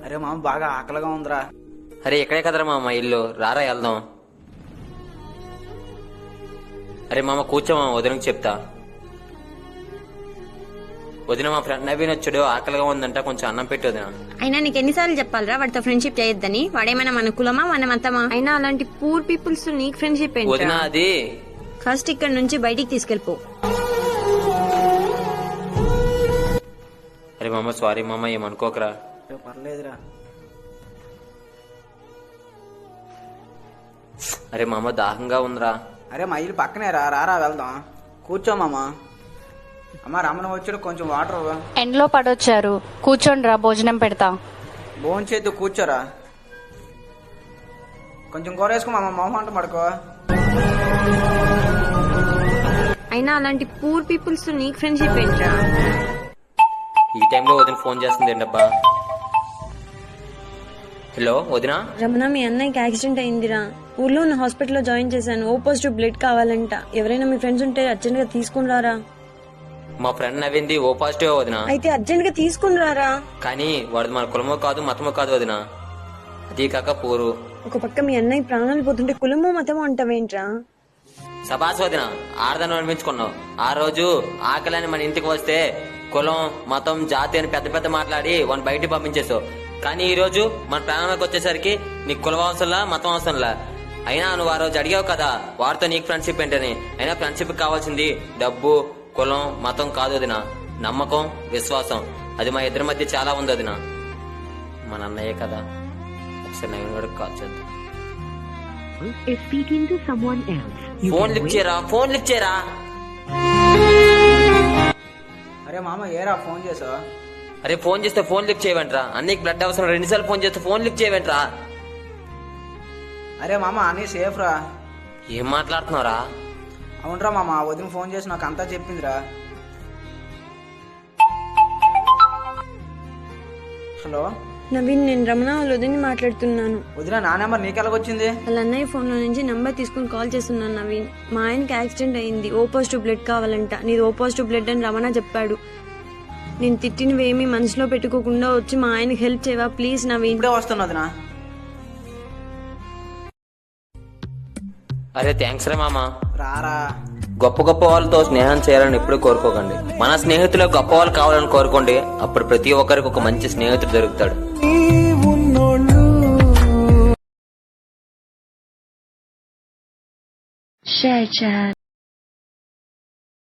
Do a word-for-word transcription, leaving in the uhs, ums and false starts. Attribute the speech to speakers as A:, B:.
A: అరే మామ బాగా ఆకలిగా ఉందిరా.
B: అరే ఇక్కడే కదరా మామ ఇల్లు, రారా వెళ్దాం. అరే మామ కూర్చో మామ, వదినకి చెప్తా. వదిన మా ఫ్రెండ్ నవీన్ వచ్చాడు, ఆకలిగా ఉందంట, కొంచెం అన్నం పెట్టి వదిన.
C: అయినా నీకు ఎన్నిసార్లు చెప్పాలరా వాడితో ఫ్రెండ్షిప్ చేయొద్దని? వాడేమైనా మన కులమా మన మతమా? అయినా అలాంటి పూర్ పీపుల్స్ తో నీకు ఫ్రెండ్షిప్ ఏంటి?
B: వదిన అది
C: ఫస్ట్ ఇక్కడ నుంచి బయటికి తీసుకెళ్ళిపో.
B: అరే మామ సారీ మామ, ఏమనుకోకరా.
A: పర్లేదురా.
B: అరే మామ దాహంగా ఉందిరా.
A: అరే మా ఇల్లు పక్కనే రా, రారా వెళ్దాం. కూర్చో మామ. అమ్మ రమణ వచ్చాడు, కొంచెం వాటర్.
D: ఎండ్లో పడొచ్చారు, కూర్చోండి రా, భోజనం పెడతా.
A: భోజనం చేద్దు, కూర్చోరా. కొంచెం కూర వేసుకో మామ, మొహం పడుకో.
C: అయినా అలాంటి పూర్ పీపుల్స్ తో నీకు ఫ్రెండ్షిప్ ఏంట్రా?
B: ఈ టైంలో వదిన ఫోన్ చేస్తుంది ఏంటబ్బా. హలో వదినా.
C: రమణ, మీ అన్నయ్యకి యాక్సిడెంట్ అయిందిరా. ఊర్లో ఉన్న హాస్పిటల్లో జాయిన్ చేశాను. ఓ పాజిటివ్ బ్లడ్ కావాలంట. ఎవరైనా మీ ఫ్రెండ్స్ ఉంటే అర్జెంట్ గా తీసుకుని రారా.
B: మా ఫ్రెండ్ నవ్వింది ఓ పాజిటివ్ వదినా.
C: అయితే అర్జెంట్ గా తీసుకుని రారా.
B: కానీ వాడు మన కులమో కాదు మతమో కాదు వదినా, అది కాక పూరు.
C: ఒక పక్క మీ అన్నయ్య ప్రాణాలు పోతుంటే కులమో మతమో అంటావేంట్రా?
B: సబాస్ వదిన, ఆడదాన్ని అనిపించుకున్నావు. ఆ రోజు ఆకలని మన ఇంటికి వస్తే కులం మతం జాతి అని పెద్ద పెద్ద మాట్లాడి వాడిని బయటికి పంపించేసావు. కానీ ఈ రోజు మన ప్రాణానికి వచ్చేసరికి నీకు కులం అవసరంలా మతం అవసరంలా. అయినా నువ్వు ఆ రోజు అడిగావు కదా వాడితో నీకు ఫ్రెండ్షిప్ ఏంటని. అయినా ఫ్రెండ్షిప్ కావాల్సింది డబ్బు కులం మతం కాదు వదిన, నమ్మకం విశ్వాసం. అది మా ఇద్దరి మధ్య చాలా ఉంది వదిన. మన అన్నయ్యే కదా, ఒకసారి నవీన్ గడికి కాల్ చేద్దాం. ఫోన్ లిఫ్ట్ చేయరా, ఫోన్ లిఫ్ట్ చేయరా.
A: అరే మామ ఏరా ఫోన్ చేసావా?
B: అరే ఫోన్ చేస్తే ఫోన్ లిఫ్ట్ చేయవంట్రా. అన్నికి బ్లడ్ అవసరం, రెండుసార్లు ఫోన్ చేస్తే ఫోన్ లిఫ్ట్ చేయవంట్రా.
A: అరే మామ అన్నీ సేఫ్ రా.
B: ఏం మాట్లాడుతున్నారా?
A: అవునరా మామ, వదిన ఫోన్ చేసి నాకు అంతా చెప్పిందిరా. హలో
C: నవీన్, నేను రమణ వాళ్ళ వదిని మాట్లాడుతున్నాను.
A: వదిన నా నెంబర్ నీకెలాగొచ్చింది?
C: వాళ్ళ అన్నయ్య ఫోన్ లో నుంచి నంబర్ తీసుకుని కాల్ చేస్తున్నాను. నవీన్, మా ఆయనకి యాక్సిడెంట్ అయింది, ఓ పాజిటివ్ బ్లడ్ కావాలంట. నీది ఓ పాజిటివ్ బ్లడ్ అని రమణ చెప్పాడు. నేను తిట్టినవేమీ మనసులో పెట్టుకోకుండా వచ్చి మా ఆయనకి హెల్ప్ చేయవా ప్లీజ్ నవీన్?
A: ఇప్పుడే వస్తున్నా వదినా.
B: అరే థ్యాంక్స్ రా మామ.
A: రారా.
B: గొప్ప గొప్ప వాళ్ళతో స్నేహం చేయాలని ఎప్పుడు కోరుకోకండి. మన స్నేహితులు గొప్ప వాళ్ళు కావాలని కోరుకోండి. అప్పుడు ప్రతి ఒక్కరికి ఒక మంచి స్నేహితుడు దొరుకుతాడు.